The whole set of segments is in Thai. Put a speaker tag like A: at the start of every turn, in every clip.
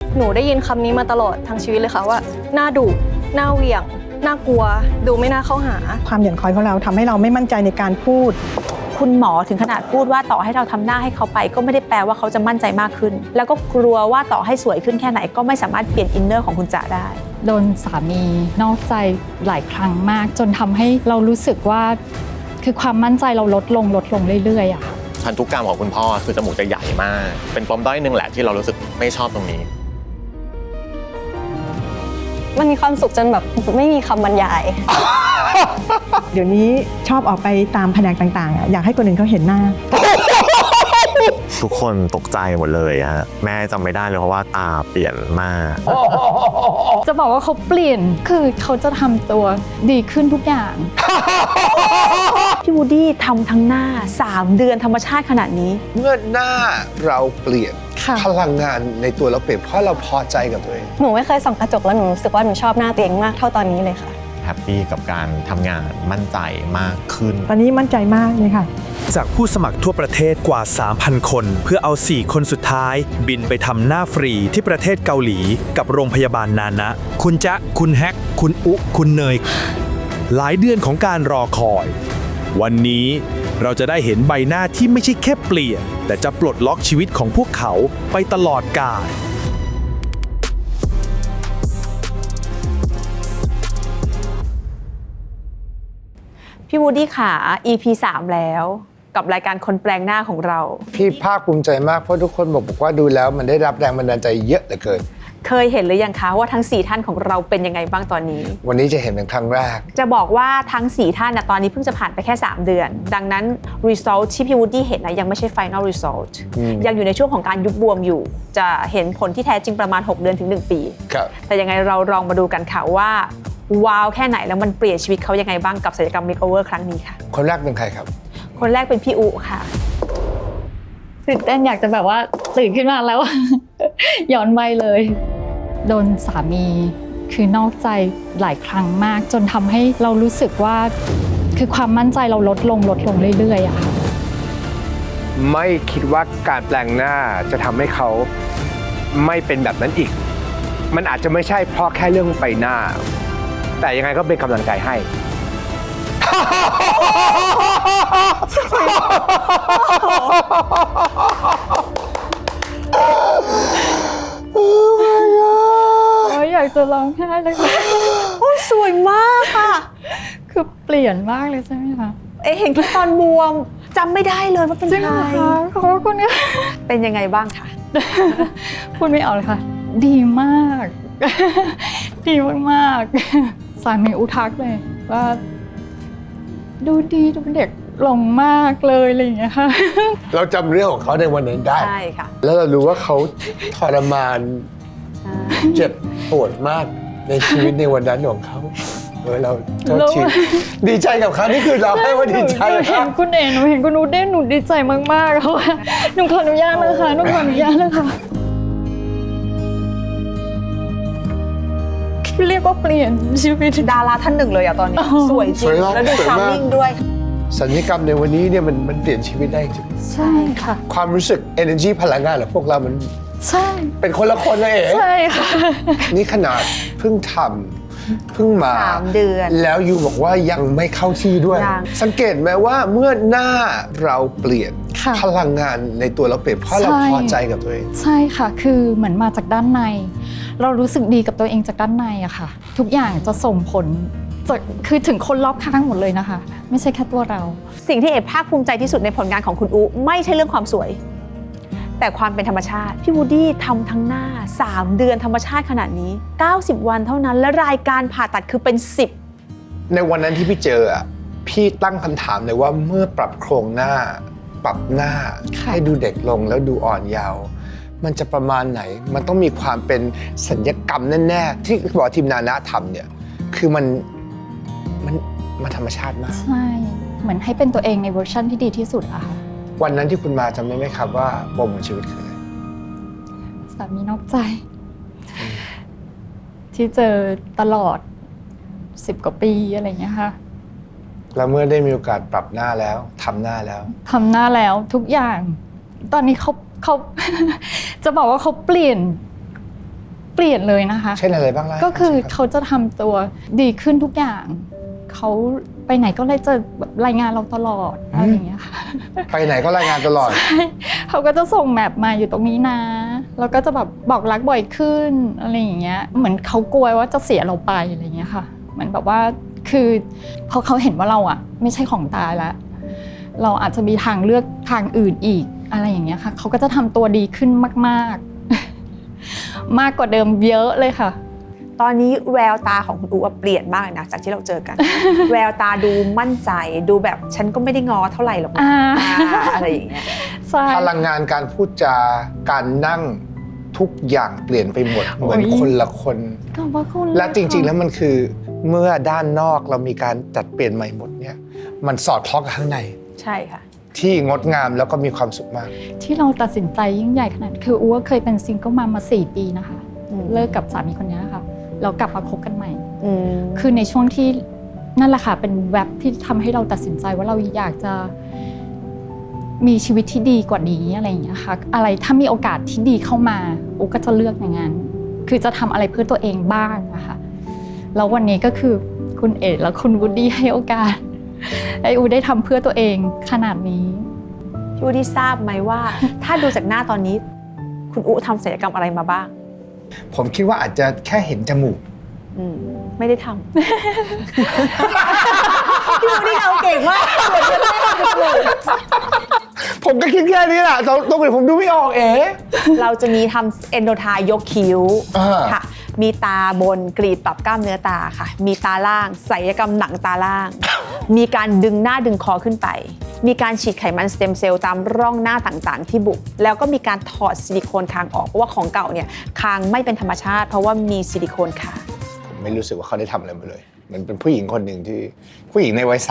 A: หนูได้ยินคำนี้มาตลอดทั้งชีวิตเลยค่ะว่าหน้าดุหน้าเหวี่ยงน่ากลัวดูไม่น่าเข้าหา
B: ความหย่อนคล้อยของเราทำให้เราไม่มั่นใจในการพูด
C: คุณหมอถึงขนาดพูดว่าต่อให้เราทำหน้าให้เขาไปก็ไม่ได้แปลว่าเขาจะมั่นใจมากขึ้นแล้วก็กลัวว่าต่อให้สวยขึ้นแค่ไหนก็ไม่สามารถเปลี่ยนอินเนอร์ของคุณจ๋าได้
D: โดนสามีนอกใจหลายครั้งมากจนทำให้เรารู้สึกว่าคือความมั่นใจเราลดลงเรื่อยๆอะค่ะ
E: พันธุกรรมของคุณพ่อคือจมูกจะใหญ่มากเป็นปมด้อยหนึ่งแหละที่เรารู้สึกไม่ชอบตรงนี้
A: มันมีความสุขจนแบบไม่มีคำบรรยาย
B: เดี๋ยวนี้ชอบออกไปตามแผนกต่างๆอยากให้คนอื่นเขาเห็นหน้า
E: ทุกคนตกใจหมดเลยฮะแม่จำไม่ได้เลยเพราะว่าตาเปลี่ยนมาก
D: จะบอกว่าเขาเปลี่ยนคือเขาจะทำตัวดีขึ้นทุกอย่าง
C: พี่วูดดี้ทำทั้งหน้า3 เดือนธรรมชาติขนาดนี้
F: เมื่อหน้าเราเปลี่ยนพลังงานในตัวเราเปลี่ยนเพราะเราพอใจกับตัวเอง
A: หนูไม่เคยส่องกระจกแล้วหนูรู้สึกว่าหนูชอบหน้าตัวเองมากเท่าตอนนี้เลยค่ะ
E: แฮปปี้กับการทำงานมั่นใจมากขึ้น
B: ตอนนี้มั่นใจมากเลยค่ะ
G: จากผู้สมัครทั่วประเทศกว่า 3,000 คนเพื่อเอา 4 คนสุดท้ายบินไปทำหน้าฟรีที่ประเทศเกาหลีกับโรงพยาบาลนานะคุณจ๊ะคุณแฮกคุณอุคุณเนยหลายเดือนของการรอคอยวันนี้เราจะได้เห็นใบหน้าที่ไม่ใช่แค่เปลี่ยนแต่จะปลดล็อกชีวิตของพวกเขาไปตลอดกาล
C: พี่วูดดี้ขา EP 3 แล้วกับรายการคนแปลงหน้าของเรา
F: พี่ภาคภูมิใจมากเพราะทุกคนบอกว่าดูแล้วมันได้รับแรงบันดาลใจเยอะเหลือเกิน
C: เคยเห็นหรือยังคะว่าทั้ง4ท่านของเราเป็นยังไงบ้างตอนนี้
F: วันนี้จะเห็นเป็นครั้งแรก
C: จะบอกว่าทั้ง4ท่านตอนนี้เพิ่งจะผ่านไปแค่3 เดือนดังนั้น result ที่พี่วูดดี้เห็นยังไม่ใช่ final result ยังอยู่ในช่วงของการยุบบวมอยู่จะเห็นผลที่แท้จริงประมาณ6 เดือนถึง1 ปีแต่ยังไงเราลองมาดูกันค่ะว่าว้าวแค่ไหนแล้วมันเปลี่ยนชีวิตเขายังไงบ้างกับศัลยกรรม makeover ครั้งนี้ค่ะ
F: คนแรกเป็นใครครับ
C: คนแรกเป็นพี่อุค่ะ
D: ตื่นเต้นอยากจะแบบว่าตื่นขึ้นมาแล้ว ย้อนวัยเลยโดนสามีคือนอกใจหลายครั้งมากจนทำให้เรารู้สึกว่าคือความมั่นใจเราลดลงเรื่อยๆอะค่ะ
F: ไม่คิดว่าการแปลงหน้าจะทำให้เขาไม่เป็นแบบนั้นอีกมันอาจจะไม่ใช่เพราะแค่เรื่องใบหน้าแต่ยังไงก็เป็นกำลังใจให้
D: อยากจะร้องไห้เลยค่ะ
C: โอ้สวยมากค่ะ
D: คือเปลี่ยนมากเลยใช่ไหมคะ
C: เห็นที่ตอนบวมจำไม่ได้เลยว่าเป็นใคร
D: ขอบคุณค่ะ
C: เป็นยังไงบ้างคะ
D: พูดไม่ออกเลยค่ะดีมากดีมากๆสามีอุทักเลยว่าดูดีดูเป็นเด็กลงมากเลยอะไรอย่างเงี้ยค่ะ
F: เราจำเรื่องของเขาในวันนั้นได้
C: ใช่ค่ะ
F: แล้วเรารู้ว่าเขาทรมานเจ็บปวดมากในชีวิตในวันนั้นของเขาเราดีใจกับเขานี่คือเราให้ว่าดีใจ
D: เห็นคุณหนูเห็นคุณนูได้หนูดีใจมากๆค่ะหนูขออนุญาตนะคะหนูขออนุญาตนะคะเรียกว่าเปลี่ยนชีวิต
C: ดาราท่านหนึ่งเลยตอนนี้สวยจริงแล้วดูชาร์มมิ่งด้วย
F: ศัลยกรรมในวันนี้เนี่ยมันเปลี่ยนชีวิตได้จริง
D: ใช่ค่ะ
F: ความรู้สึก energy พลังงานของพวกเรามัน
D: ใช่
F: เป็นคนละคนเลย
D: ใช่ค่ะ
F: นี่ขนาดเพิ่งทำเพิ่งมา
C: 3 เดือน
F: แล้วยูบอกว่ายังไม่เข้าที่ด้วยสังเกตไหมว่าเมื่อหน้าเราเปลี่ยนพลังงานในตัวเราเปลี่ยนเพราะเราพอใจกับตัวเอง
D: ใช่ค่ะคือเหมือนมาจากด้านในเรารู้สึกดีกับตัวเองจากด้านในอะค่ะทุกอย่างจะส่งผลคือถึงคนรอบข้างหมดเลยนะคะไม่ใช่แค่ตัวเรา
C: สิ่งที่ภาคภูมิใจที่สุดในผลงานของคุณอุไม่ใช่เรื่องความสวยแต่ความเป็นธรรมชาติพี่วูดดี้ทำทั้งหน้า3 เดือนธรรมชาติขนาดนี้90 วันเท่านั้นและรายการผ่าตัดคือเป็น10
F: ในวันนั้นที่พี่เจอพี่ตั้งคำถามเลยว่าเมื่อปรับโครงหน้าปรับหน้าให้ดูเด็กลงแล้วดูอ่อนเยาว์มันจะประมาณไหนมันต้องมีความเป็นศัลยกรรมแน่ๆที่บอกทีมนานะทำเนี่ยคือมันธรรมชาติมาก
D: ใช่เหมือนให้เป็นตัวเองในเวอร์ชันที่ดีที่สุดอะค่ะ
F: วันนั้นที่คุณมาจำได้ไหมครับว่าปมของชีวิตคืออะไร
D: สามีนอกใจที่เจอตลอด10 กว่าปีอะไรอย่างเงี้ยค่ะ
F: แล้วเมื่อได้มีโอกาสปรับหน้าแล้วทำหน้าแล้ว
D: ทุกอย่างตอนนี้เขาจะบอกว่าเขาเปลี่ยนปลี่ยนเลยนะคะ
F: เช่นอะไรบ้างล่ะ
D: ก็คือ
F: รับ
D: เขาจะทำตัวดีขึ้นทุกอย่างเขาไปไหนก็เลยจะแบบรายงานเราตลอดอะไรอย่างเงี้ยค่ะ
F: ไปไหนก็รายงานตลอด
D: เขาก็จะส่งแมปมาอยู่ตรงนี้นะแล้วก็จะแบบบอกรักบ่อยขึ้นอะไรอย่างเงี้ยเหมือนเขากลัวว่าจะเสียเราไปอะไรอย่างเงี้ยค่ะเหมือนแบบว่าคือพอเขาเห็นว่าเราอ่ะไม่ใช่ของตายแล้วเราอาจจะมีทางเลือกทางอื่นอีกอะไรอย่างเงี้ยค่ะเขาก็จะทำตัวดีขึ้นมากๆ มากกว่าเดิมเยอะเลยค่ะ
C: ตอนนี้แววตาของคุณอู๋เปลี่ยนมากเลยนะจากที่เราเจอกัน แววตาดูมั่นใจดูแบบฉันก็ไม่ได้งอเท่าไหร่หรอกนะอะไรอย่างเงี้ย
D: ใช่
F: พลังงานการพูดจาการนั่งทุกอย่างเปลี่ยนไปหมดเหมือน
D: โอ้ย
F: คนละคน
D: ขอบพระคุณ
F: และจริงๆแล้วมันคือเมื่อด้านนอกเรามีการจัดเปลี่ยนใหม่หมดเนี่ยมันสอดคล้องกับข้างใน
C: ใช่ค่ะ
F: ที่งดงามแล้วก็มีความสุขมาก
D: ที่เราตัดสินใจยิ่งใหญ่ขนาดคืออู๋เคยเป็นซิงเกิลมา 4 ปีนะคะ เลิกกับสามีคนนี้ค่ะแล้วกลับมาคบกันใหม่ คือในช่วงที่นั่นแหละค่ะเป็นแว็บที่ทำให้เราตัดสินใจว่าเราอยากจะมีชีวิตที่ดีกว่านี้อะไรอย่างเงี้ยค่ะอะไรถ้ามีโอกาสที่ดีเข้ามาอูก็จะเลือกอย่างนั้นคือจะทำอะไรเพื่อตัวเองบ้างนะคะแล้ววันนี้ก็คือคุณเอ๋และคุณวูดดี้ให้โอกาสให้อูได้ทำเพื่อตัวเองขนาดนี้
C: พี่อู๋ที่ทราบไหมว่า ถ้าดูจากหน้าตอนนี้ คุณอู๋ทำศัลยกรรมอะไรมาบ้าง
F: ผมคิดว่าอาจจะแค่เห็นจมูก
C: ไม่ได้ทำ พี่อู๋ที่เอาเก่งมากเหมือนจะไม่ได้ทำจมูก
F: ผมก็คิดแค่นี้แหละตรงอื่นผมดูไม่ออกเอ๋
C: เราจะมีทำเอนโดไทยกคิ้ว
F: อ่า
C: ค่ะ มีตาบนกรีดปรับกล้ามเนื้อตาค่ะ มีตาล่างศัลยกรรมหนังตาล่าง มีการดึงหน้าดึงคอขึ้นไป มีการฉีดไขมันสเต็มเซลล์ตามร่องหน้าต่างๆ ที่บุกแล้วก็มีการถอดซิลิโคนคางออกเพราะว่าของเก่าเนี่ยคางไม่เป็นธรรมชาติ เพราะว่ามีซิลิโคนคาง
F: ผมไม่รู้สึกว่าเขาได้ทำอะไรมาเลยเหมือนเป็นผู้หญิงคนหนึ่งที่ผู้หญิงในวัย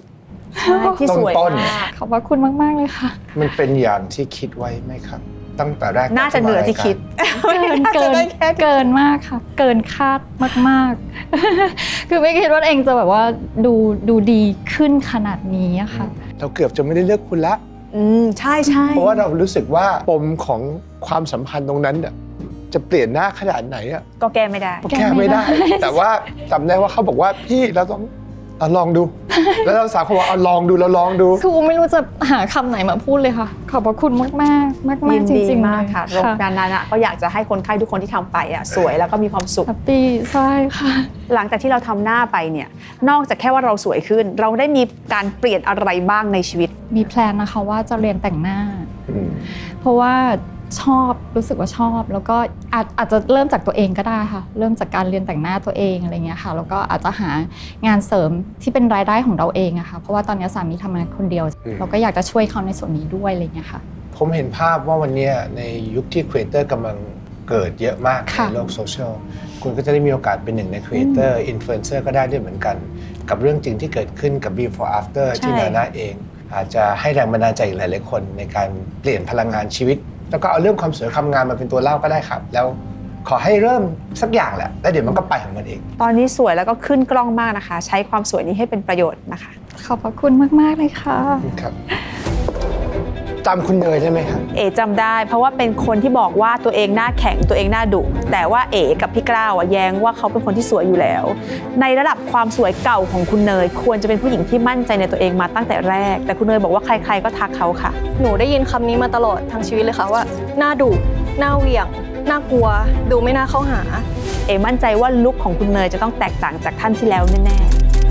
F: 30
C: ที่สวย
F: ต้น
C: มาก
D: ขอบพระคุณมากๆเลยค่ะ
F: มันเป็นอย่างที่คิดไว้ไหมครับ ตั้งแต่แรก
C: น่าจะเหนือที่คิด
D: เกินมากค่ะ เกินคาดมากๆ คือไม่คิดว่าเองจะแบบว่าดูดีขึ้นขนาดนี้อะค่ะ
F: เราเกือบจะไม่ได้เลือกคุณละ
C: ใช่ใช่
F: เพราะว่าเรารู้สึกว่าปมของความสัมพันธ์ตรงนั้นน่ะจะเปลี่ยนหน้าขนาดไหนอ่ะ
C: ก็แก้ไม่ได้
F: ก็แก้ไม่ได้ แต่ว่าจำได้ว่าเขาบอกว่าพี่เราต้องเอาลองดู แล้วเราสาวเขาบอกเอาลองดูเราลองดู
D: คือไม่รู้จะหาคำไหนมาพูดเลยค่ะ ขอบพระคุณมากๆ
C: ยิน
D: จ
C: ดี
D: ริงๆ
C: มากค่ะโรง
D: ค่ะ
C: งานนั้นอะก็อยากจะให้คนไข้ทุกคนที่ทำไปอะสวยแล้วก็มีความสุข
D: แฮปปี้ใช่ค่ะ
C: หลังจากที่เราทำหน้าไปเนี่ยนอกจากแค่ว่าเราสวยขึ้น เราได้มีการเปลี่ยนอะไรบ้างในชีวิต
D: มีแพลนนะคะว่าจะเรียนแต่งหน้า เพราะว่าชอบรู้สึกว่าชอบ แล้วก็อาจจะเริ่มจากตัวเองก็ได้ค่ะเริ่มจากการเรียนแต่งหน้าตัวเองอะไรเงี้ยค่ะแล้วก็อาจจะหางานเสริมที่เป็นรายได้ของเราเองอะค่ะเพราะว่าตอนนี้สามีทำงานคนเดียว เราก็อยากจะช่วยเขาในส่วนนี้ด้วยอะไรเงี้ยค่ะ
F: ผมเห็นภาพว่าวันนี้ในยุคที่ครีเอเตอร์กำลังเกิดเยอะมาก
D: ค่ะ
F: ในโลกโซเชียลคุณก็จะได้มีโอกาสเป็นหนึ่งในครีเอเตอร์อินฟลูเอนเซอร์ก็ได้ด้วยเหมือนกัน กับเรื่องจริงที่เกิดขึ้นกับ before after ที่นานาเอง อาจจะให้แรงบันดาลใจอีกหลายๆคนในการเปลี่ยนพลังงานชีวิต แล้วก็เอาเรื่องความสวยความงามมาเป็นตัวเล่าก็ได้ครับ แล้วขอให้เริ่มสักอย่างแหละแล้วเดี๋ยวมันก็ไปของมันเอง
C: ตอนนี้สวยแล้วก็ขึ้นกล้องมากนะคะ ใช้ความสวยนี้ให้เป็นประโยชน์นะคะ
D: ขอบพระคุณมากๆเลยค่ะ
F: ครับจำคุณเนยได้ไหมครับ
C: เอ๋จำได้เพราะว่าเป็นคนที่บอกว่าตัวเองหน้าแข็งตัวเองหน้าดุแต่ว่าเอ๋กับพี่กล้าวแย้งว่าเขาเป็นคนที่สวยอยู่แล้ว ในระดับความสวยเก่าของคุณเนยควรจะเป็นผู้หญิงที่มั่นใจในตัวเองมาตั้งแต่แรก แต่คุณเนยบอกว่าใครๆก็ทักเขาค่ะ
A: หนูได้ยินคำนี้มาตลอดทั้งชีวิตเลยค่ะว่าหน้าดุหน้าเหวี่ยงหน้ากลัวดูไม่น่าเข้าหา
C: เอ๋มั่นใจว่าลุคของคุณเนยจะต้องแตกต่างจากท่านที่แล้วแน่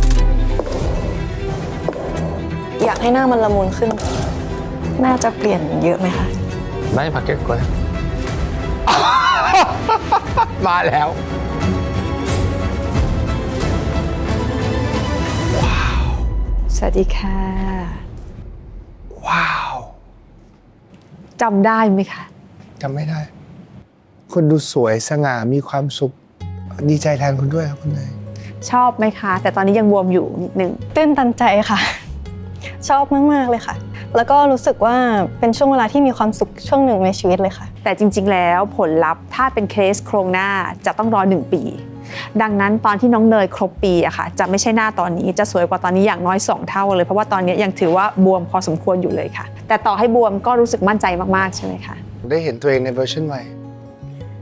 C: ๆ
A: อยากให้หน้ามันละมุนขึ้น น่าจะเปลี่ยนเยอะไหมคะ
F: ได้พักเก็ตก่อน มาแล้ว
C: สวัสดีค่ะ
F: ว้าว
C: จำได้ไหมคะ
F: จำไม่ได้ คุณดูสวยสง่ามีความสุข ดีใจแทนคุณด้วยครับคุณเนย
C: ชอบไหมคะ แต่ตอนนี้ยังบวมอยู่นิดนึง
A: ตื้นตันใจค่ะ ชอบมากๆเลยค่ะ แล้วก็รู้สึกว่าเป็นช่วงเวลาที่มีความสุขช่วงหนึ่งในชีวิตเลยค่ะ
C: แต่จริงๆ แล้วผลลัพธ์ถ้าเป็นเคสโครงหน้าจะต้องรอ1 ปี ดังนั้นตอนที่น้องเนยครบปีอะค่ะจะไม่ใช่หน้าตอนนี้จะสวยกว่าตอนนี้อย่างน้อย2 เท่าเลยเพราะว่าตอนนี้ยังถือว่าบวมพอสมควรอยู่เลยค่ะ แต่ต่อให้บวมก็รู้สึกมั่นใจมากๆใช่ไหมคะ
F: ได้เห็นตัวเองในเวอร์ชันใหม่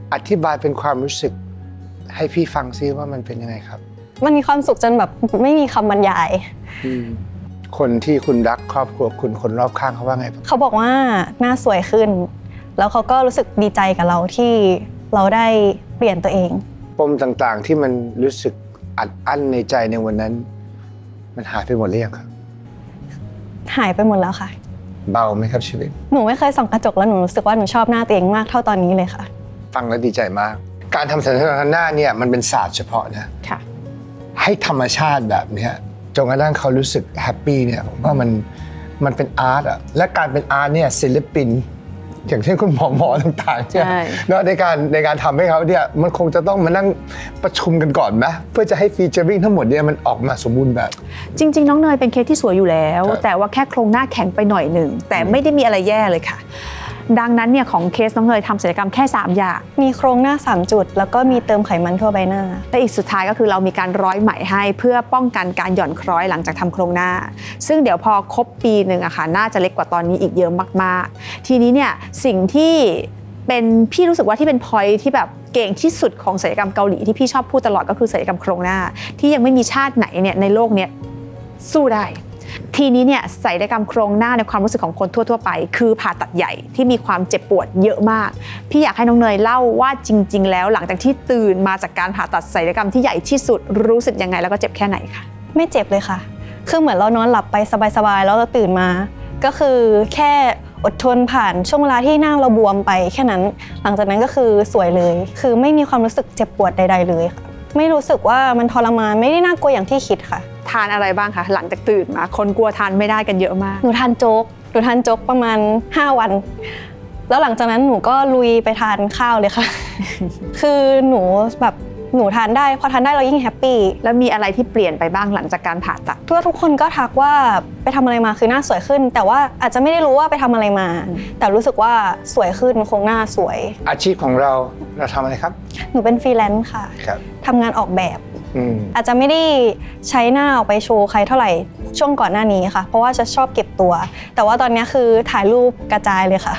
F: อธิบายเป็นความรู้สึกให้พี่ฟังซิว่ามันเป็นยังไงครับ
A: มันมีความสุขจนแบบไม่มีคำบรรยาย
F: คนที่คุณรักครอบครัวคุณคนรอบข้างเขาว่าไงบ้าง
A: เขาบอกว่าหน้าสวยขึ้น แล้วเขาก็รู้สึกดีใจกับเราที่เราได้เปลี่ยนตัวเอง
F: ปมต่างๆที่มันรู้สึกอัดอั้นในใจในวันนั้น มันหายไปหมดหรือยังครับ
A: หายไปหมดแล้วค่ะ
F: เบาไหมครับชีวิต
A: หนูไม่เคยส่องกระจกแล้วหนูรู้สึกว่าหนูชอบหน้าตัวเองมากเท่าตอนนี้เลยค่ะ
F: ฟังแล้วดีใจมาก การทำสัญลักษณ์หน้าเนี่ยมันเป็นศาสตร์เฉพาะนะ
C: ค่ะ
F: ให้ธรรมชาติแบบเนี้ยจนกระทั่งเขารู้สึกแฮปปี้เนี่ยผมว่ามันเป็นอาร์ตอะและการเป็นอาร์ตเนี่ยศิลปิน อย่างเช่นคุณหมอต่างๆเนี่ย
C: ใช่
F: เนาะในการทำให้เขาเนี่ยมันคงจะต้องมานั่งประชุมกันก่อนไหมเพื่อจะให้ฟีเจอริ่งทั้งหมดเนี่ยมันออกมาสมบูรณ์แบบ
C: จริงๆ น้องเนยเป็นเคสที่สวยอยู่แล้ว
F: ครับ
C: แต่ว่าแค่โครงหน้าแข็งไปหน่อยหนึ่งแต่ไม่ได้มีอะไรแย่เลยค่ะ ดังนั้นเนี่ยของเคสน้องเนยทำศัลยกรรมแค่3อย่าง
A: มีโครงหน้า3จุดแล้วก็มีเติมไขมันทั่วใบหน้า
C: และอีกสุดท้ายก็คือเรามีการร้อยไหมให้เพื่อป้องกันการหย่อนคล้อยหลังจากทำโครงหน้า ซึ่งเดี๋ยวพอครบปีหนึ่งอะค่ะน่าจะเล็กกว่าตอนนี้อีกเยอะมากๆ ทีนี้เนี่ยสิ่งที่เป็นพี่รู้สึกว่าที่เป็น point ที่แบบเก่งที่สุดของศัลยกรรมเกาหลีที่พี่ชอบพูดตลอดก็คือศัลยกรรมโครงหน้า ที่ยังไม่มีชาติไหนเนี่ยในโลกเนี้ยสู้ได้ ทีนี้เนี่ยศัลยกรรมโครงหน้าในความรู้สึกของคนทั่วๆไป คือผ่าตัดใหญ่ที่มีความเจ็บปวดเยอะมากพี่อยากให้น้องเนยเล่าว่าจริงๆแล้วหลังจากที่ตื่นมาจากการผ่าตัดศัลยกรรมที่ใหญ่ที่สุดรู้สึกยังไงแล้วก็เจ็บแค่ไหนคะ
A: ไม่เจ็บเลยค่ะ คือเหมือนเรานอนหลับไปสบายๆแล้วเราตื่นมา ก็คือแค่อดทนผ่านช่วงเวลาที่หน้าเราบวมไปแค่นั้น หลังจากนั้นก็คือสวยเลย คือไม่มีความรู้สึกเจ็บปวดใดๆเลยค่ะ ไม่รู้สึกว่ามันทรมานไม่ได้น่ากลัวอย่างที่คิดค่ะ
C: ทานอะไรบ้างคะหลังจากตื่นมาคนกลัวทานไม่ได้กันเยอะมาก
A: หนูทานโจ๊กประมาณ5 วัน แล้วหลังจากนั้นหนูก็ลุยไปทานข้าวเลยค่ะ คือหนูทานได้พอทานได้เรายิ่งแฮปปี้
C: แล้วมีอะไรที่เปลี่ยนไปบ้างหลังจากการผ่าตัด
A: ทุกคนก็ทักว่าไปทำอะไรมาคือหน้าสวยขึ้น แต่ว่าอาจจะไม่ได้รู้ว่าไปทำอะไรมา แต่รู้สึกว่าสวยขึ้นโครงหน้าสวย
F: อาชีพของเราทำอะไรครับ
A: หนูเป็นฟรีแลนซ์ค่ะ
F: ครับ
A: ทำงานออกแบบ
F: อืม
A: อาจจะไม่ได้ใช้หน้าออกไปโชว์ใครเท่าไหร่ช่วงก่อนหน้านี้ค่ะ เพราะว่าจะชอบเก็บตัว แต่ว่าตอนนี้คือถ่ายรูปกระจายเลยค่ะ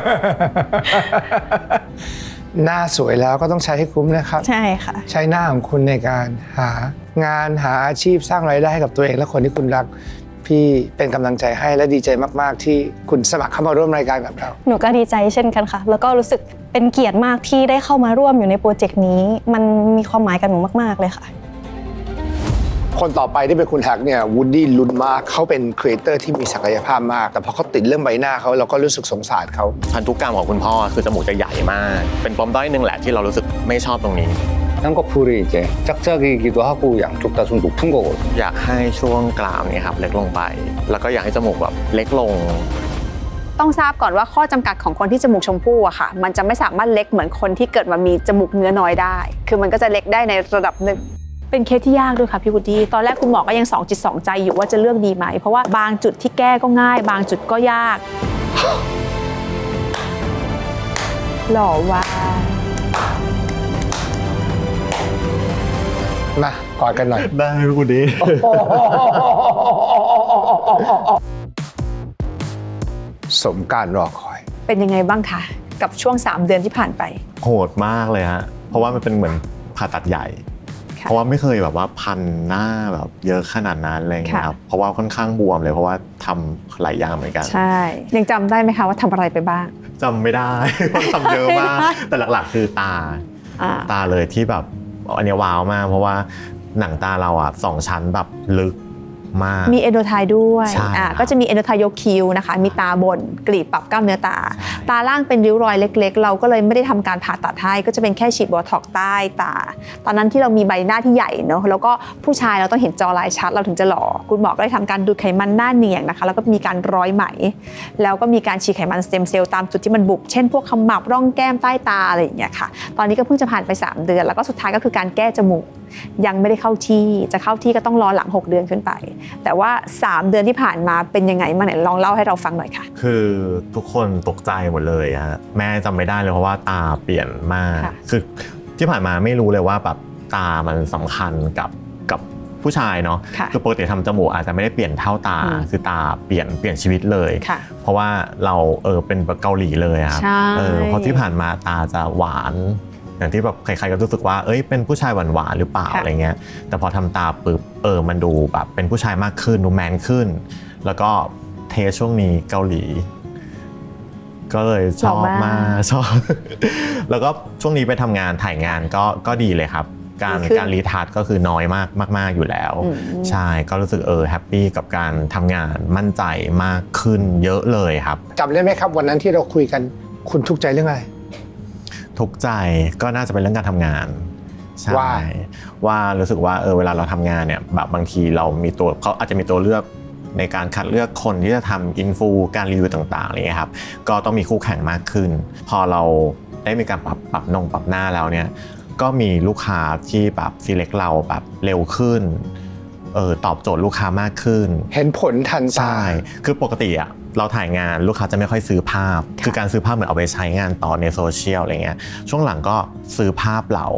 F: หน้าสวยแล้วก็ต้องใช้ให้คุ้มนะครับ
A: ใช่ค่ะ
F: ใช้หน้าของคุณในการหางานหาอาชีพสร้างรายได้ให้กับตัวเองและคนที่คุณรัก พี่เป็นกำลังใจให้และดีใจมากๆ ที่คุณสมัครเข้ามาร่วมรายการกับเรา
A: หนูก็ดีใจเช่นกันค่ะ แล้วก็รู้สึกเป็นเกียรติมากที่ได้เข้ามาร่วมอยู่ในโปรเจกต์นี้ มันมีความหมายกับหนูมากๆเลยค่ะ
F: คนต่อไปที่เป็นคุณแฮกเนี่ยวูดดี้ลุ้นมากเขาเป็นครีเอเตอร์ที่มีศักยภาพมาก แต่พอเขาติดเรื่องใบหน้าเขาเราก็รู้สึกสงสารเขา
E: พันธุกรรมของคุณพ่อคือจมูกจะใหญ่มาก เป็นปมด้อยหนึ่งแหละที่เรารู้สึกไม่ชอบตรงนี้
H: 쌍꺼풀이 이제 짝짝이기도 하고 양쪽 다 좀 높은 거거든요.
E: อยากให้ช่วงกรามเนี่ยครับเล็กลงไป แล้วก็อยากให้จมูกแบบเล็กลง
C: ต้องทราบก่อนว่าข้อจำกัดของคนที่จมูกชมพู่อะค่ะ มันจะไม่สามารถเล็กเหมือนคนที่เกิดมามีจมูกเนื้อน้อยได้ คือมันก็จะเล็กได้ในระดับหนึ่ง เป็นเคสที่ยากด้วยค่ะพี่วุฒิตอนแรกคุณหมอก็ยัง2 จิต 2 ใจอยู่ว่าจะเลือกดีไหม เพราะว่าบางจุดที่แก้ก็ง่าย บางจุดก็ยาก หล่อว่า
F: มากอดกันหน่อย
E: ได้คุณดี
F: สมการรอคอย
C: เป็นยังไงบ้างคะกับช่วง3 เดือนที่ผ่านไป
E: โหดมากเลยฮะ เพราะว่ามันเป็นเหมือนผ่าตัดใหญ่
C: ค่ะ
E: เพราะว่าไม่เคยแบบว่าพันหน้าแบบเยอะขนาดนั้นอะไรอย่างเงี้ยครับ
C: ค่ะ
E: เพราะว่าค่อนข้างบวมเลยเพราะว่าทำหลายอย่างเหมือนกัน
C: ใช่ ยังจำได้ไหมคะว่าทำอะไรไปบ้าง
E: จำไม่ได้ เพราะทำเยอะมาก แต่หลักๆคือตา
C: อ่า
E: ตาเลยที่แบบอันเนี้ยว้าวมาก เพราะว่าหนังตาเราอ่ะ2 ชั้นแบบลึกมาก
C: มีเอนโดไทด้วย
E: ใช่ครับ
C: ก็จะมีเอนโดไทยกคิ้วนะคะ มีตาบนกรีบปรับกล้ามเนื้อตา ตาล่างเป็นริ้วรอยเล็กๆ เราก็เลยไม่ได้ทำการผ่าตัดให้ ก็จะเป็นแค่ฉีดโบท็อกซ์ใต้ตา ตอนนั้นที่เรามีใบหน้าที่ใหญ่เนอะแล้วก็ผู้ชายเราต้องเห็นจอลายชัดเราถึงจะหล่อ คุณหมอก็เลยทำการดูดไขมันหน้าเนียงนะคะ แล้วก็มีการร้อยไหม แล้วก็มีการฉีดไขมันสเต็มเซลล์ตามจุดที่มันบุบ เช่นพวกขมับร่องแก้มใต้ตาอะไรอย่างเงี้ยค่ะ ตอนนี้ก็เพิ่งจะผ่านไป3 เดือน แล้วก็สุดท้ายก็คือการแก้จมูก ยังไม่ได้เข้าที่ จะเข้าที่ก็ต้องรอหลัง6 เดือนขึ้นไป แต่ว่า3 เดือนที่ผ่านมาเป็นยังไงบ้างไหนลองเล่าให้เราฟังหน่อยค่ะ
E: คือทุกคนตกใจหมดเลยฮะแม่จำไม่ได้เลยเพราะว่าตาเปลี่ยนมาก
C: ค่ะ
E: คือที่ผ่านมาไม่รู้เลยว่าแบบตามันสำคัญกับผู้ชายเนาะ
C: ค่ะ
E: คือปกติทำจมูกอาจจะไม่ได้เปลี่ยนเท่าตา คือตาเปลี่ยนชีวิตเลย
C: ค่ะ
E: เพราะว่าเราเป็นแบบเกาหลีเลยอะครับ
C: ใช่
E: เพราะที่ผ่านมาตาจะหวานอย่างที่แบบใครๆก็รู้สึกว่าเอ้ยเป็นผู้ชายหวานๆหรือเปล่าอะไรเงี้ยแต่พอทำตาปุ๊บมันดูแบบเป็นผู้ชายมากขึ้นดูแมนขึ้นแล้วก็เทสช่วงนี้เกาหลีก็เลยชอบมากชอบ แล้วก็ช่วงนี้ไปทำงานถ่ายงานก็ดีเลยครับการรีทัชก็คือน้อยมากอยู่แล้วใช่ก็รู้สึกแฮปปี้กับการทำงานมั่นใจมากขึ้นเยอะเลยครับ
F: จำได้ไหมครับวันนั้นที่เราคุยกันคุณทุกข์ใจเรื่องอะไร
E: ทุกข์ใจก็น่าจะเป็นเรื่องการทำงานใช่ว่ารู้สึกว่าเวลาเราทำงานเนี่ยแบบบางทีเรามีตัวเขาอาจจะมีตัวเลือกในการคัดเลือกคนที่จะทำอินฟูการรีวิวต่างๆอะไรเงี้ยครับก็ต้องมีคู่แข่งมากขึ้นพอเราได้มีการปรับหน้าแล้วเนี่ยก็มีลูกค้าที่แบบselectเราแบบเร็วขึ้นตอบโจทย์ลูกค้ามากขึ้น
F: เห็นผลทันตา
E: ใช่คือปกติอะเราถ่ายงานลูกค้าจะไม่ค่อยซื้อภาพคือการซื้อภาพเหมือนเอาไปใช้งานต่อในโซเชียลอะไรเงี้ยช่วงหลังก็ซื้อภาพเรา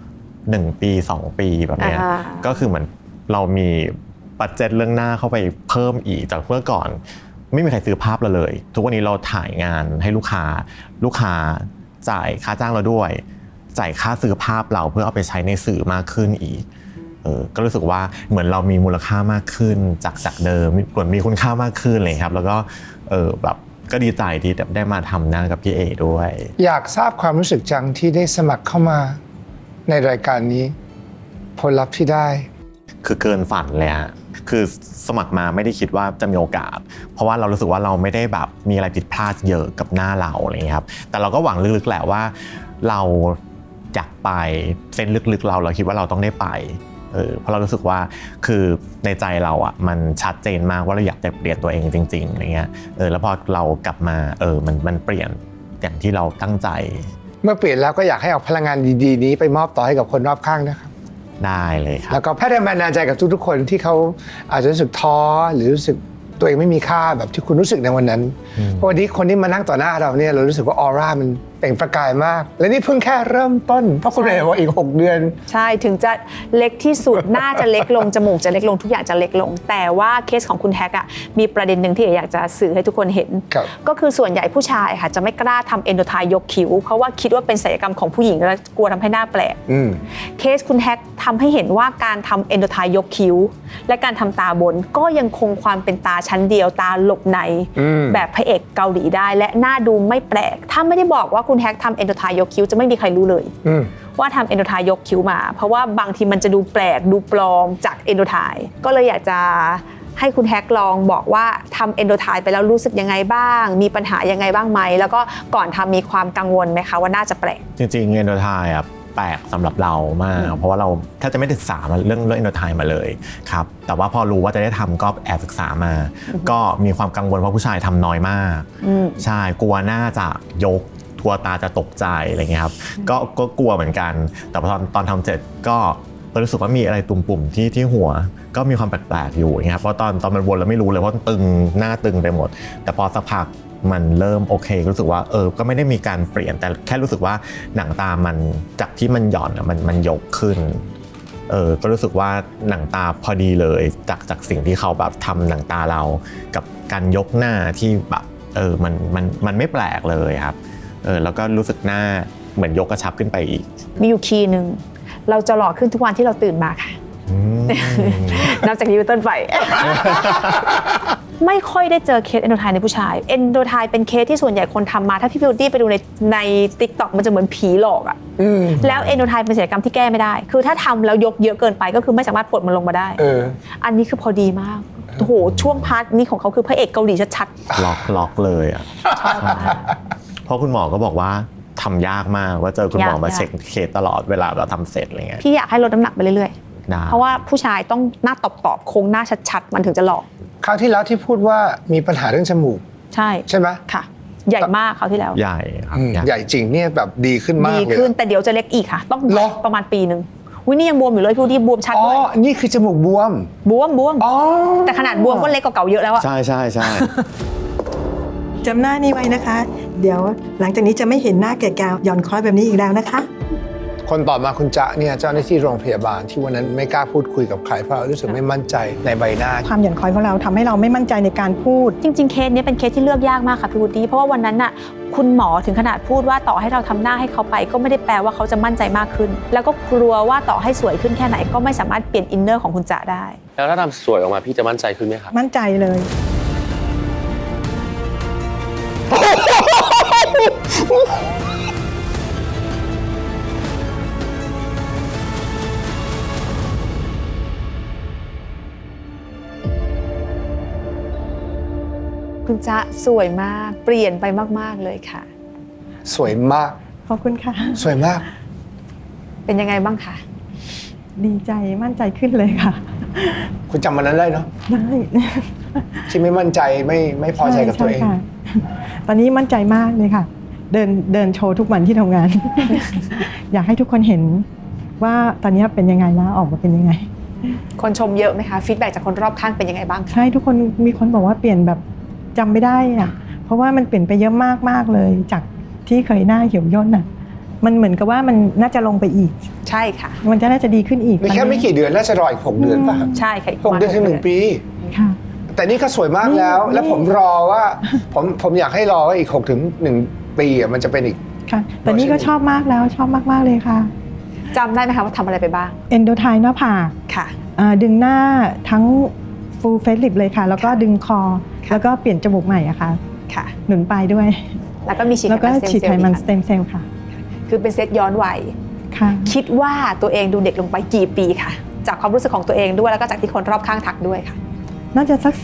E: 1 ปี2 ปีแบบเนี้ยก็คือเหมือนเรามีบัดเจ็ตเรื่องหน้าเข้าไปเพิ่มอีกจากเมื่อก่อนไม่มีใครซื้อภาพเราเลยทุกวันนี้เราถ่ายงานให้ลูกค้าจ่ายค่าจ้างเราด้วยจ่ายค่าซื้อภาพเราเพื่อเอาไปใช้ในสื่อมากขึ้นอีกก็รู้สึกว่าเหมือนเรามีมูลค่ามากขึ้นจากเดิมเหมือนมีคุณค่ามากขึ้นเลยครับแล้วก็แบบก็ดีใจที่ได้มาทำหน้ากับพี่เอด้วย
F: อยากทราบความรู้สึกจังที่ได้สมัครเข้ามาในรายการนี้ผลลัพธ์ที่ได้
E: คือเกินฝันเลยฮะคือสมัครมาไม่ได้คิดว่าจะมีโอกาสเพราะว่าเรารู้สึกว่าเราไม่ได้แบบมีอะไรผิดพลาดเยอะกับหน้าเราอะไรอย่างเงี้ยครับแต่เราก็หวังลึกๆแหละว่าเราอยากไปเส้นลึกๆเราคิดว่าเราต้องได้ไปเพราะเรารู้สึกว่าคือในใจเราอ่ะมันชัดเจนมากว่าเราอยากจะเปลี่ยนตัวเองจริงๆอะไรเงี้ยแล้วพอเรากลับมามันเปลี่ยนอย่างที่เราตั้งใจ
F: เมื่อเปลี่ยนแล้วก็อยากให้เอาพลังงานดีๆนี้ไปมอบต่อให้กับคนรอบข้างนะครับ
E: ได้เลยครับ
F: แล้วก็แพทย์แรงบันดาลใจกับทุกๆคนที่เขาอาจจะรู้สึกท้อหรือรู้สึกตัวเองไม่มีค่าแบบที่คุณรู้สึกในวันนั้นเพราะวันนี้คนที่มานั่งต่อหน้าเราเนี่ยเรารู้สึกว่าออร่ามันเปล่งประกายมากและนี่เพิ่งแค่เริ่มต้นเพราะคุณเรย์บอกอีก6 เดือน
C: ใช่ถึงจะเล็กที่สุด หน้าจะเล็กลงจมูกจะเล็กลงทุกอย่างจะเล็กลงแต่ว่าเคสของคุณแฮกอะมีประเด็นหนึ่งที่อยากจะสื่อให้ทุกคนเห็นก็คือส่วนใหญ่ผู้ชายค่ะจะไม่กล้าทำเอนโดไทยกคิ้วเพราะว่าคิดว่าเป็นศัลยกรรมของผู้หญิงแล้วกลัวทำให้หน้าแปลกเคสคุณแฮกทำให้เห็นว่าการทำเอนโดไทยกคิ้วและการทำตาบนก็ยังคงความเป็นตาชั้นเดียวตาหลบในแบบพระเอกเกาหลีได้และหน้าดูไม่แปลกถ้าไม่ได้บอกว่าคุณแฮกทำเอนโดไทยกคิ้วจะไม่มีใครรู้เลยว่าทำเอนโดไทยกคิ้วมาเพราะว่าบางทีมันจะดูแปลกดูปลอมจากเอนโดไทก็เลยอยากจะให้คุณแฮกลองบอกว่าทำเอนโดไทไปแล้วรู้สึกยังไงบ้างมีปัญหายังไงบ้างไหมแล้วก็ก่อนทำมีความกังวลไหมคะว่าน่าจะแปลก
E: จริงๆเอนโดไทอ่ะแปลกสำหรับเรามากเพราะว่าเราแทบจะไม่ศึกษาเรื่องเอนโดไทมาเลยครับแต่ว่าพอรู้ว่าจะได้ทำก็แอบศึกษามาก็มีความกังวลเพราะผู้ชายทำน้อยมากใช่กลัวหน้าจะยกทัวตาจะตกใจอะไรเงี้ยครับก็กลัวเหมือนกันแต่พอตอนทำเสร็จก็รู้สึกว่ามีอะไรตุ่มปุ่มที่หัวก็มีความแปลกๆอยู่นะครับเพราะตอนมันวนแล้วไม่รู้เลยเพราะตึงหน้าตึงไปหมดแต่พอสักพักมันเริ่มโอเครู้สึกว่าก็ไม่ได้มีการเปลี่ยนแต่แค่รู้สึกว่าหนังตามันจากที่มันหย่อนมันยกขึ้นก็รู้สึกว่าหนังตาพอดีเลยจากสิ่งที่เขาแบบทำหนังตาเรากับการยกหน้าที่แบบมันไม่แปลกเลยครับแล้วก็รู้สึกหน้าเหมือนยกกระชับขึ้นไปอีก
C: มีอยู่คีย์นึงเราจะหล่อขึ้นทุกวันที่เราตื่นมาค่ะนับจากนี้เป็นต้นไป ไม่ค่อยได้เจอเคสเอนโดไทในผู้ชายเอนโดไทเป็นเคสที่ส่วนใหญ่คนทำมาถ้าพี่บิวตี้ไปดูใน TikTok มันจะเหมือนผีหลอกอะแล้วเอนโดไทเป็นศัลยกรรมที่แก้ไม่ได้คือถ้าทำแล้วยกเยอะเกินไปก็คือไม่สามารถปลดมันลงมาได้อันนี้คือพอดีมากโอ้โหช่วงพาร์ทนี้ของเขาคือพระเอกเกาหลีชัด
E: ๆล็อกเลยอะเพราะคุณหมอก็บอกว่าทำยากมากว่าเจอคุณหมอมาเช็คเคสตลอดเวลาเราทำเสร็จอะไรเงี้ย
C: พี่อยากให้ลดน้ำหนักไปเรื่อยๆเพราะว่าผู้ชายต้องหน้าตอบโค้งหน้าชัดๆมันถึงจะหล่อ
F: คราวที่แล้วที่พูดว่ามีปัญหาเรื่องจมูก
C: ใช่
F: ไหม
C: ค่ะใหญ่มากคราวที่แล้ว
E: ใหญ่ครับ
F: ใหญ่จริงเนี่ยแบบดีขึ้นมากเลย
C: ดีขึ้นแต่เดี๋ยวจะเล็กอีกค่ะต้องประมาณปีนึงนี่ยังบวมอยู่เลยพี่ดีบวมชัดด้วย
F: อ๋อนี่คือจมูกบวม
C: อ๋อแต่ขนาดบวมก็เล็กกว่าเก่าเยอะแล้วอะ
E: ใช่
B: จำหน้านี้ไว้นะคะเดี๋ยวหลังจากนี้จะไม่เห็นหน้าแก่ๆหย่อนคล้อยแบบนี้อีกแล้วนะคะ
F: คนต่อมาคุณจ๊ะเนี่ยเจ้าหน้าที่โรงพยาบาลที่วันนั้นไม่กล้าพูดคุยกับใครเพราะรู้สึกไม่มั่นใจในใบหน้า
B: ความหย่อนคล้อยของเราทำให้เราไม่มั่นใจในการพูด
C: จริงๆเคสนี้เป็นเคสที่เลือกยากมากค่ะพี่วูดดี้เพราะว่าวันนั้นน่ะคุณหมอถึงขนาดพูดว่าต่อให้เราทำหน้าให้เขาไปก็ไม่ได้แปลว่าเขาจะมั่นใจมากขึ้น แล้วก็กลัวว่าต่อให้สวยขึ้นแค่ไหนก็ไม่สามารถเปลี่ยนอินเนอร์ของคุณจ๊ะได้
I: แล้วถ้าทำสวยออกมาพี่จะมั่นใจขึ้นไหมครับ
B: มั่นใจเลย
C: คุณจ๊ะสวยมากเปลี่ยนไปมากๆเลยค่ะ
F: สวยมาก
B: ขอบคุณค่ะ
F: สวยมาก
C: เป็นยังไงบ้างคะ
B: ดีใจมั่นใจขึ้นเลยค่ะ
F: คุณจำวันนั้นได้เนาะ
B: ได้
F: ที่ไม่มั่นใจไม่พอใจกับตัวเอง
B: ใช่ค่ะตอนนี้มั่นใจมากเลยค่ะ เดินโชว์ทุกวันที่ทำงาน อยากให้ทุกคนเห็นว่าตอนนี้เป็นยังไงแล้วออกมาเป็นยังไง
C: คนชมเยอะไหมคะฟีดแบ็กจากคนรอบข้างเป็นยังไงบ้างคะ
B: ใช่ทุกคนมีคนบอกว่าเปลี่ยนแบบจำไม่ได้อะเพราะว่ามันเปลี่ยนไปเยอะมากๆเลย จากที่เคยหน้าเหี่ยวย่นอ่ะมันเหมือนกับว่ามันน่าจะลงไปอีก
C: ใช่ค่ะ
B: มันจะน่าจะดีขึ้นอีก
F: มีแค่ไม่กี่เดือนน่าจะรออีก6 เดือนป่ะ
C: ใช่ค่ะ
F: 6 เดือนถึง1 ปี
B: ค่ะ
F: แต่นี่ก็สวยมากแล้ว
B: นี่
F: แล้วผมรอว่าผมอยากให้รอว่าอีก6 ถึง 1 ปีอะมันจะเป็นอีก
B: ค่ะแต่นี่ก็ชอบมากแล้วชอบมากๆเลยค่ะ
C: จำได้ไหมคะว่าทำอะไรไปบ้าง
B: เอนโดไทหน้าผาก
C: ค่ะ
B: ดึงหน้าทั้ง full face lift เลยค่ะ แล้วก็ดึงคอ แล้วก็เปลี่ยนจมูกใหม่อะค่ะ
C: ค่ะ
B: หนุนปลายด้วย
C: แล้วก็มีฉีด
B: แล้วก็
C: ไขมัน
B: ฉีดไขมันส
C: เซล
B: เต็มเซลล์ค่ะ
C: ล์คือเป็นเซตย้อนวัย
B: ค่ะ
C: คิดว่าตัวเองดูเด็กลงไปกี่ปีค่ะ จากความรู้สึกของตัวเองด้วยแล้วก็จากที่คนรอบข้างทักด้วยค่ะ
B: น่าจะสัก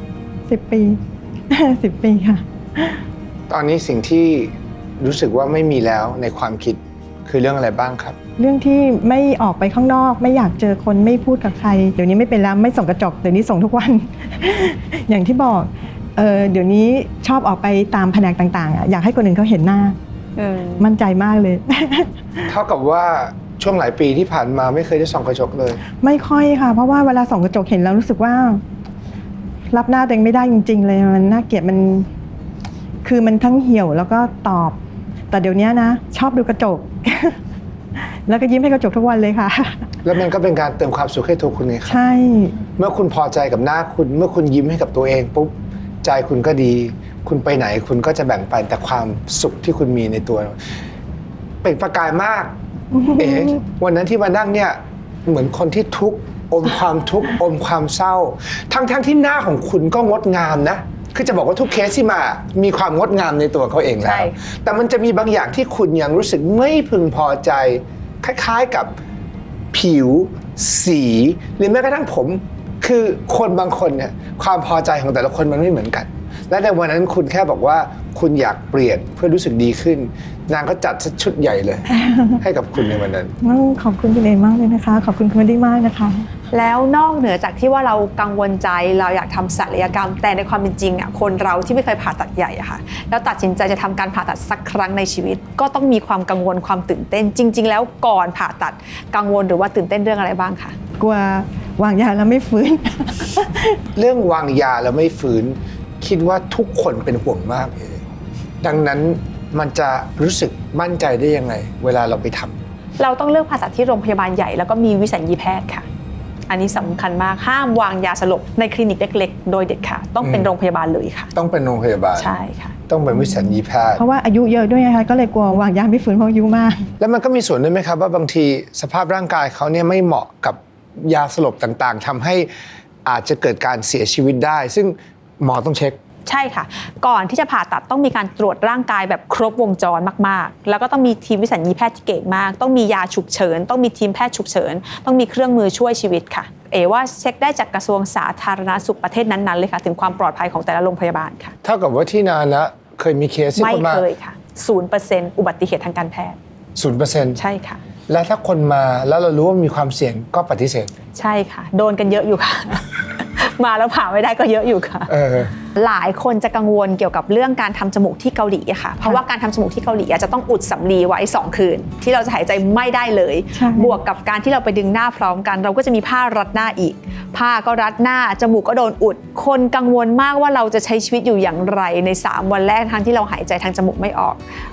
B: 10 ปี 10 ปีค่ะ
F: ตอนนี้สิ่งที่รู้สึกว่าไม่มีแล้วในความคิดคือเรื่องอะไรบ้างครับ
B: เรื่องที่ไม่ออกไปข้างนอกไม่อยากเจอคนไม่พูดกับใคร เดี๋ยวนี้ไม่เป็นแล้วไม่ส่องกระจกเดี๋ยวนี้ส่งทุกวัน อย่างที่บอกเดี๋ยวนี้ชอบออกไปตามแผนกต่างๆอยากให้คนอื่นเขาเห็นหน้ามั่นใจมากเลย
F: เท่ากับว่าช่วงหลายปีที่ผ่านมาไม่เคยได้ส่องกระจกเลย
B: ไม่ค่อยค่ะ เพราะว่าเวลาส่องกระจกเห็นแล้วรู้สึกว่า รับหน้าตัวเองไม่ได้จริงๆเลยมันน่าเกลียดมันคือมันทั้งเหี่ยวแล้วก็ตอบ แต่เดี๋ยวนี้นะชอบดูกระจก แล้วก็ยิ้มให้กระจกทุกวันเลยค่ะ
F: แล้วมันก็เป็นการเติมความสุขให้ตัวคุณเองครับ
B: ใช่
F: เมื่อคุณพอใจกับหน้าคุณเมื่อคุณยิ้มให้กับตัวเองปุ๊บใจคุณก็ดี คุณไปไหนคุณก็จะแบ่งปันแต่ความสุขที่คุณมีในตัวเปล่งประกายมาก วันนั้นที่มานั่งเนี่ยเหมือนคนที่ทุกข์อมความทุกข์อมความเศร้า ทั้งที่หน้าของคุณก็งดงามนะคือจะบอกว่าทุกเคสที่มามีความงดงามในตัวเขาเองแล้
C: ใช่
F: วแต่มันจะมีบางอย่างที่คุณยังรู้สึกไม่พึงพอใจคล้ายๆกับผิวสีหรือแม้กระทั่งผมคือคนบางคนเนี่ยความพอใจของแต่ละคนมันไม่เหมือนกัน และในวันนั้นคุณแค่บอกว่าคุณอยากเปลี่ยนเพื่อรู้สึกดีขึ้น นางก็จัดชุดใหญ่เลย ให้กับคุณในวันนั้น
B: ต้องขอบคุณคุณเอมากเลยนะคะ ขอบคุณคุณดีมากนะคะ
C: แล้วนอกเหนือจากที่ว่าเรากังวลใจเราอยากทำศัลยกรรม แต่ในความเป็นจริงอ่ะคนเราที่ไม่เคยผ่าตัดใหญ่อะค่ะแล้วตัดสินใจจะทำการผ่าตัดสักครั้งในชีวิต ก็ต้องมีความกังวลความตื่นเต้น จริง ๆ แล้วก่อนผ่าตัดกังวลหรือว่าตื่นเต้นเรื่องอะไรบ้างคะ
B: กลัววางยาแล้วไม่ฟื้น
F: เรื่องวางยาแล้วไม่ฟื้นคิดว่าทุกคนเป็นห่วงมากเลยดังนั้นมันจะรู้สึกมั่นใจได้ยังไงเวลาเราไปทำ
C: เราต้องเลือกผ่าตัดที่โรงพยาบาลใหญ่แล้วก็มีวิสัญญีแพทย์ค่ะ อันนี้สำคัญมากห้ามวางยาสลบในคลินิกเล็กๆโดยเด็ดขาดต้องเป็นโรงพยาบาลเลยค่ะ
F: ต้องเป็นโรงพยาบาล
C: ใช่ค่ะ
F: ต้องเป็นวิสัญญีแพทย์
B: เพราะว่าอายุเยอะด้วยนะคะก็เลยกลัววางยาไม่ฟื้นเพราะอายุมาก
F: แล้วมันก็มีส่วนด้วยไหมครับว่าบางทีสภาพร่างกายเขาเนี่ยไม่เหมาะกับยาสลบต่างๆทำให้อาจจะเกิดการเสียชีวิตได้ ซึ่งหมอต้องเช็ค
C: ใช่ค่ะ ก่อนที่จะผ่าตัดต้องมีการตรวจร่างกายแบบครบวงจรมากๆแล้วก็ต้องมีทีมวิสัญญีแพทย์ที่เก่งมากต้องมียาฉุกเฉินต้องมีทีมแพทย์ฉุกเฉินต้องมีเครื่องมือช่วยชีวิตค่ะว่าเช็คได้จากกระทรวงสาธารณสุขประเทศนั้นๆเลยค่ะถึงความปลอดภัยของแต่ละโรงพยาบาลค่ะ
F: เท่ากับว่าที่นานะเคยมีเคสที่
C: ไม่
F: คนมา
C: เคยค่ะ 0% อุบัติเหตุทางการแพทย์
F: 0%
C: ใช่ค่ะ
F: และถ้าคนมาแล้วเรารู้ว่ามีความเสี่ยงก็ปฏิเสธ
C: ใช่ค่ะโดนกันเยอะอยู่ค่ะ มาแล้วผ่าไม่ได้ก็เยอะอยู่ค่ะ หลายคนจะกังวลเกี่ยวกับเรื่องการทำจมูกที่เกาหลีอะค่ะ เพราะว่าการทำจมูกที่เกาหลีจะต้องอุดสำลีไว้2 คืน ที่เราจะหายใจไม่ได้เลย
B: ใช่
C: บวกกับการที่เราไปดึงหน้าพร้อมกัน เราก็จะมีผ้ารัดหน้าอีก ผ้าก็รัดหน้าจมูกก็โดนอุด คนกังวลมากว่าเราจะใช้ชีวิตอยู่อย่างไรใน3 วันแรกทั้งที่เราหายใจทางจมูกไม่ออก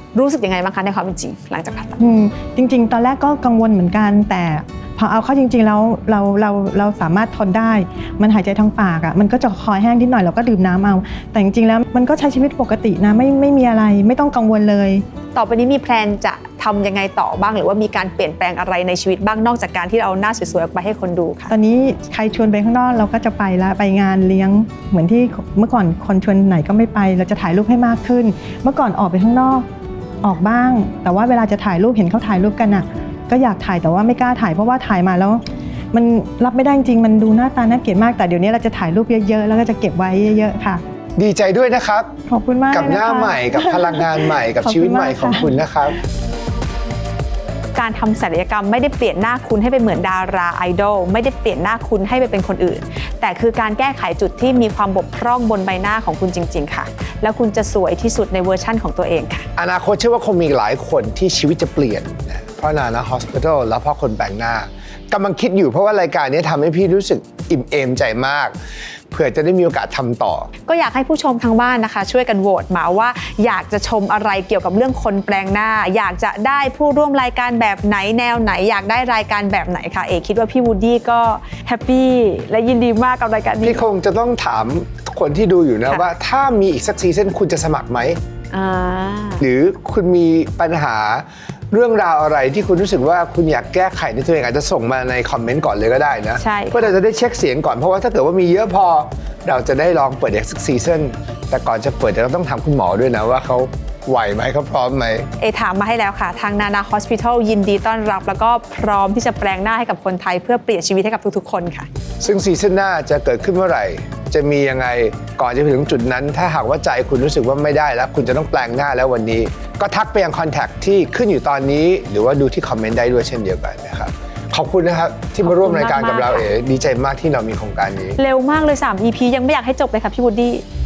C: รู้สึกยังไงบ้างคะในความเป็นจริงหลังจากผ่าตัด
B: จริงๆ ตอนแรกก็กังวลเหมือนกัน แต่พอเอาเข้าจริงๆแล้วเราสามารถทนได้ มันหายใจทางปากอ่ะมันก็จะคอแห้งนิดหน่อยเราก็ดื่มน้ำเอาแต่จริงๆแล้วมันก็ใช้ชีวิตปกตินะไม่มีอะไรไม่ต้องกังวลเลย
C: ต่อไปนี้มีแพลนจะทำยังไงต่อบ้างหรือว่ามีการเปลี่ยนแปลงอะไรในชีวิตบ้างนอกจากการที่เราหน้าสวยๆออกไปให้คนดูค่ะ
B: ตอนนี้ใครชวนไปข้างนอกเราก็จะไปละไปงานเลี้ยงเหมือนที่เมื่อก่อนคนชวนไหนก็ไม่ไปเราจะถ่ายรูปให้มากขึ้น เมื่อก่อนออกไปข้างนอกออกบ้าง แต่ว่าเวลาจะถ่ายรูปเห็นเขาถ่ายรูปกันอ่ะก็อยากถ่ายแต่ว่าไม่กล้าถ่ายเพราะว่าถ่ายมาแล้วมันรับไม่ได้จริงมันดูหน้าตาน่าเกลียดมากแต่เดี๋ยวนี้เราจะถ่ายรูปเยอะๆแล้วก็จะเก็บไว้เยอะๆค่ะ
F: ดีใจด้วยนะครับ
B: ขอบคุณมาก
F: กับหน้า
B: เลยนะคะ
F: ใหม่กับพลังงานใหม่กับ
B: ขอบคุณ
F: ชีวิตใหม่
B: มาก
F: ของ
B: ค่ะ
F: คุณนะครับ
C: การทำศัลยกรรมไม่ได้เปลี่ยนหน้าคุณให้ไปเหมือนดาราไอดอลไม่ได้เปลี่ยนหน้าคุณให้ไปเป็นคนอื่น แต่คือการแก้ไขจุดที่มีความบกพร่องบนใบหน้าของคุณจริงๆค่ะแล้วคุณจะสวยที่สุดในเวอร์ชั่นของตัวเองค่ะ
F: อนาคตเชื่อว่าคงมีหลายคนที่ชีวิตจะเปลี่ยนนะเพราะNana Hospital แล้วเพราะคนแปลงหน้ากำลังคิดอยู่เพราะว่ารายการนี้ทำให้พี่รู้สึกอิ่มเอมใจมากเผื่อจะได้มีโอกาสทำต่อ
C: ก็อยากให้ผู้ชมทางบ้านนะคะ ช่วยกันโหวตมาว่าอยากจะชมอะไรเกี่ยวกับเรื่องคนแปลงหน้า อยากจะได้ผู้ร่วมรายการแบบไหนแนวไหนอยากได้รายการแบบไหนคะเอคิดว่าพี่วูดดี้ก็แฮปปี้และยินดีมากกับรายการนี้
F: พี่คงจะต้องถามคนที่ดูอยู่นะ
C: ค่ะ
F: ว่าถ้ามีอีกสักซีซั่นคุณจะสมัครไหม
C: อ่า
F: หรือคุณมีปัญหาเรื่องราวอะไรที่คุณรู้สึกว่าคุณอยากแก้ไขในตัวเองอาจจะส่งมาในคอมเมนต์ก่อนเลยก็ได้นะ
C: ใช่
F: เพื่อเราจะได้เช็คเสียงก่อนเพราะว่าถ้าเกิดว่ามีเยอะพอเราจะได้ลองเปิดอีกสักซีซั่นแต่ก่อนจะเปิดเราต้องถามคุณหมอด้วยนะว่าเขาไหวไหมเขาพร้อมไหม
C: เอถามมาให้แล้วค่ะ ทาง Nana Hospital ยินดีต้อนรับแล้วก็พร้อมที่จะแปลงหน้าให้กับคนไทยเพื่อเปลี่ยนชีวิตให้กับทุกๆคนค่ะ
F: ซึ่งซีซั่นหน้าจะเกิดขึ้นเมื่อไหร่ จะมียังไงก่อนจะไปถึงจุดนั้น ถ้าหากว่าใจคุณรู้สึกว่าไม่ได้แล้ว คุณจะต้องแปลงหน้าแล้ววันนี้ ก็ทักไปยังคอนแทคที่ขึ้นอยู่ตอนนี้ หรือว่าดูที่คอมเมนต์ได้ด้วยเช่นเดียวกันนะครับขอบคุณนะครับที่มาร่วมรายการกับเรา
C: ขอบคุณมากๆ
F: ดีใจมากที่เรามีโครงการนี้
C: เร็วมากเลย3 EP ยังไม่อยากให้จบเลยค่ะพี่วูดดี้